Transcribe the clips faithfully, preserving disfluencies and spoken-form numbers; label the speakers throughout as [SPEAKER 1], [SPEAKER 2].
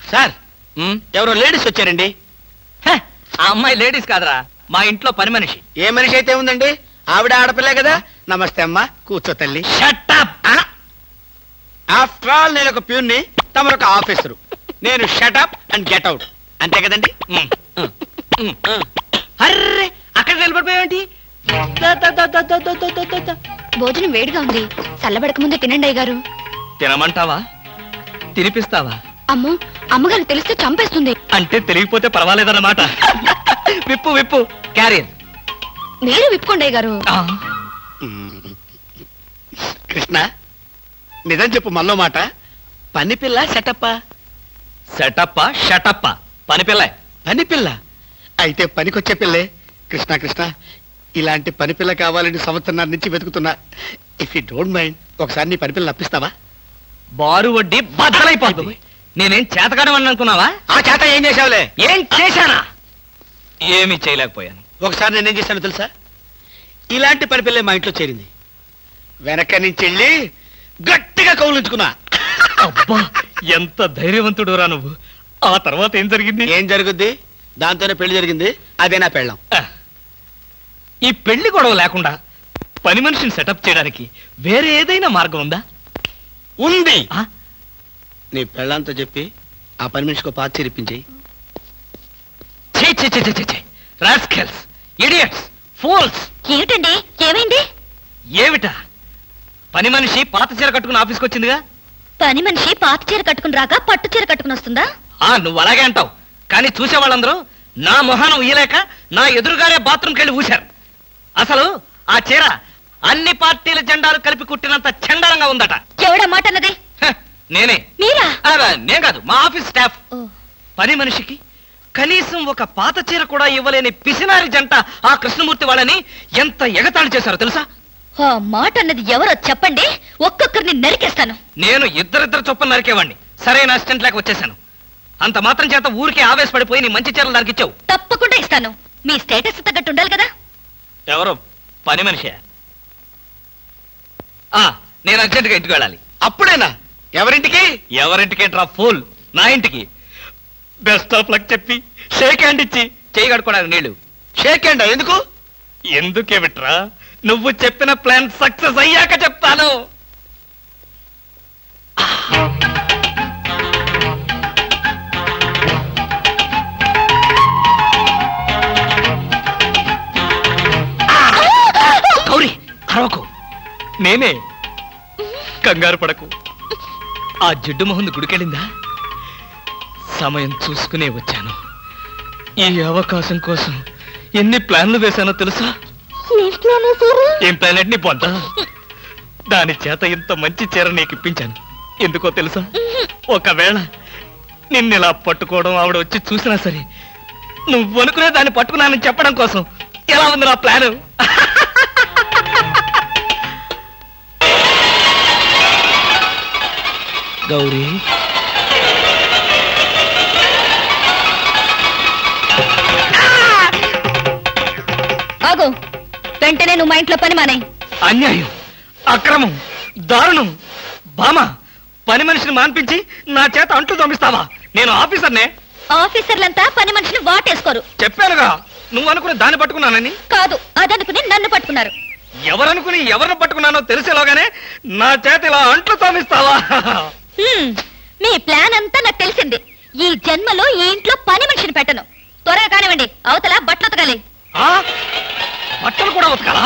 [SPEAKER 1] Sir ఎవరో ladies వచ్చారండి.
[SPEAKER 2] ఆ అమ్మాయి లేడీస్ కాదురా, మా ఇంట్లో పని మనిషి.
[SPEAKER 1] ఏ మనిషి అయితే ఉందండి, ఆవిడ ఆడపిల్లే కదా. నమస్తే అమ్మా, కూర్చో తల్లి.
[SPEAKER 2] Shut up.
[SPEAKER 1] ఆఫ్టర్ ఆల్ నేను ఒక ప్యూన్ని, తమరొక ఆఫీసరు. నేను షటప్ అండ్ గెట్ అవుట్, అంతే కదండి. అర్రే, అక్కడ నిలబడిపోయావేంటి?
[SPEAKER 3] భోజనం వేడిగా ఉంది, చల్లబడక ముందే తినండి అయ్యగారు.
[SPEAKER 2] తినమంటావా, తినిపిస్తావా?
[SPEAKER 3] అమ్మో, అమ్మగారు తెలిస్తే చంపేస్తుంది.
[SPEAKER 2] అంటే తెలియకపోతే పర్వాలేదన్నమాట. విప్పు విప్పు క్యారియర్.
[SPEAKER 3] మీరు విప్పుకోండి అయ్యగారు.
[SPEAKER 1] కృష్ణ, నిజం చెప్పు, మళ్ళో మాట. పని పిల్ల సెటప్పా?
[SPEAKER 2] సెటప్పా షటప్పా? పని పిల్ల.
[SPEAKER 1] పని పిల్ల అయితే పనికొచ్చే పిల్లే. కృష్ణ కృష్ణ, ఇలాంటి పని పిల్ల కావాలని సంవత్సరం నుంచి వెతుకుతున్నా. ఇఫ్ యూ డోంట్ మైండ్, ఒకసారి నీ పని పిల్ల అప్పిస్తావా?
[SPEAKER 2] బారు వడ్డీ బద్దలైపోతుంది. నేనేం చేతకాడమని అనుకున్నావా?
[SPEAKER 1] ఆ చేత ఏం చేసావులే?
[SPEAKER 2] ఏం చేశానా? ఏమీ చేయలేకపోయాను.
[SPEAKER 1] ఒకసారి నేనేం చేశాను తెలుసా? ఇలాంటి పని పిల్లే మా ఇంట్లో చేరింది. వెనక నుంచి వెళ్ళి గట్టిగా కౌలించుకున్నా.
[SPEAKER 2] అబ్బా, ఎంత ధైర్యవంతుడు రా నువ్వు. ఆ తర్వాత ఏం జరిగింది?
[SPEAKER 1] ఏం జరుగుద్ది? దాంతోనే పెళ్లి జరిగింది. అదే నా పెళ్ళాం.
[SPEAKER 2] ఈ పెళ్లి గొడవ లేకుండా పని మనిషిని సెటప్ చేయడానికి వేరే ఏదైనా మార్గం ఉందా?
[SPEAKER 1] ఉంది. నీ పెళ్ళంతో చెప్పి ఆ పని మనిషికి పాత చేరిపించేయి.
[SPEAKER 2] Rascals, idiots, fools.
[SPEAKER 3] ఏమిటండి, ఏమైంది?
[SPEAKER 2] ఏమిటా? పని మనిషి పాత చీర కట్టుకుని ఆఫీస్కి వచ్చిందిగా.
[SPEAKER 3] పని మనిషి పాత చీర కట్టుకుని రాగా పట్టు చీర కట్టుకుని వస్తుందా?
[SPEAKER 2] ఆ నువ్వు అలాగే అంటావు, కానీ చూసే వాళ్ళందరూ నా మొహానం ఉయ్యలేక నా ఎదురుగారే బాత్రూమ్కి వెళ్ళి ఊశారు. అసలు ఆ చీర అన్ని పార్టీల జెండాలు కలిపి కుట్టినంత చండాలంగా ఉందట.
[SPEAKER 3] ఎవడా మాట అన్నది?
[SPEAKER 2] నేనే.
[SPEAKER 3] మీరా?
[SPEAKER 2] నేను కాదు, మా ఆఫీస్ స్టాఫ్. పని మనిషికి కనీసం ఒక పాత చీర కూడా ఇవ్వలేని పిసినారి జంట ఆ కృష్ణమూర్తి వాళ్ళని ఎంత ఎగతాళి చేశారో తెలుసా?
[SPEAKER 3] ఆ మాట అన్నది ఎవరో చెప్పండి, ఒక్కొక్కరిని నరికేస్తాను.
[SPEAKER 2] నేను ఇద్దరిద్దరు చొప్పున నరికేవాడిని. సరైన అసిస్టెంట్ లేక వచ్చేసాను. అంత మాత్రం చేత ఊరికే ఆవేశపడిపోయి నీ మంచి చీరలు నరికిచ్చావు.
[SPEAKER 3] తప్పకుండా ఇస్తాను. మీ స్టేటస్ తగ్గట్టు ఉండాలి కదా.
[SPEAKER 2] ఎవరో పని మనిషి. ఆ నేను అర్జెంటుగా ఇంటికి వెళ్ళాలి.
[SPEAKER 1] అప్పుడేనా? ఎవరింటికి?
[SPEAKER 2] ఎవరింటికి డ్రా ఫూల్, నా ఇంటికి. బెస్ట్ ఆఫ్ లక్ చెప్పి షేక్ హ్యాండ్ ఇచ్చి చేయి కడుకోవడానికి నీళ్లు.
[SPEAKER 1] షేక్ హ్యాండ్ ఎందుకు?
[SPEAKER 2] ఎందుకే విట్రా, నువ్వు చెప్పిన ప్లాన్ సక్సెస్ అయ్యాక చెప్తాను. గౌరీ, అరవకు. నేనే. కంగారు పడకు. ఆ జిడ్డు మొహంది గుడికెళ్ళిందా? సమయం చూసుకునే వచ్చాను. ఈ అవకాశం కోసం ఎన్ని ప్లాన్లు వేశానో తెలుసా? ఏం ప్లాన్ అంటే నీ పొంత. దాని చేత ఇంత మంచి చీర నీకు ఇప్పించాను. ఎందుకో తెలుసా? ఒకవేళ నిన్నిలా పట్టుకోవడం ఆవిడ వచ్చి చూసినా సరే నువ్వు అనుకునే దాన్ని పట్టుకున్నానని చెప్పడం కోసం. ఎలా ఉంది నా ప్లాను? గౌరీ,
[SPEAKER 3] ఆగు. వెంటనే నువ్వు మా ఇంట్లో పని మానే.
[SPEAKER 2] అన్యాయం, అక్రమం, దారుణం. బామ, పని మనిషిని మాన్పించి నా చేత అంట్లు తోమిస్తావా? నేను ఆఫీసర్నే.
[SPEAKER 3] ఆఫీసర్లంతా పని మనిషిని వాటేసుకోరు.
[SPEAKER 2] చెప్పానుగా, నువ్వు అనుకుని దాన్ని పట్టుకున్నానని.
[SPEAKER 3] కాదు, అదనుకుని నన్ను పట్టుకున్నారు.
[SPEAKER 2] ఎవరనుకుని ఎవరిని పట్టుకున్నానో తెలిసేలోగానే నా చేత ఇలా అంట్లు తోమిస్తావా?
[SPEAKER 3] మీ ప్లాన్ అంతా నాకు తెలిసింది. ఈ జన్మలో ఈ ఇంట్లో పని మనిషిని పెట్టను. త్వరగా కానివ్వండి, అవతల బట్టలు ఉతకాలి.
[SPEAKER 2] బట్టలు కూడా ఉతకాలా?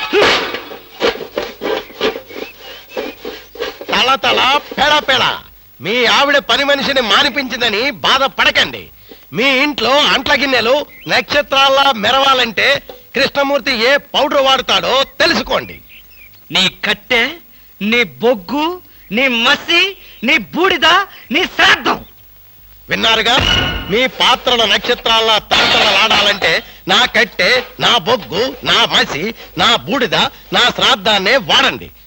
[SPEAKER 4] తల తల పెడ పెడ. మీ ఆవిడ పని మనిషిని మానిపించిందని బాధపడకండి. మీ ఇంట్లో అంట్ల గిన్నెలు నక్షత్రాల్లా మెరవాలంటే కృష్ణమూర్తి ఏ పౌడర్ వాడతాడో తెలుసుకోండి.
[SPEAKER 2] నీ కట్టె, నీ బొగ్గు, నీ మసి, నీ బూడిద, నీ శ్రాద్ధం.
[SPEAKER 4] విన్నారుగా? మీ పాత్రల నక్షత్రాల్లా తలతలలాడాలంటే నా కట్టె, నా బొగ్గు, నా మసి, నా బూడిద, నా శ్రాద్ధాన్నే వాడండి.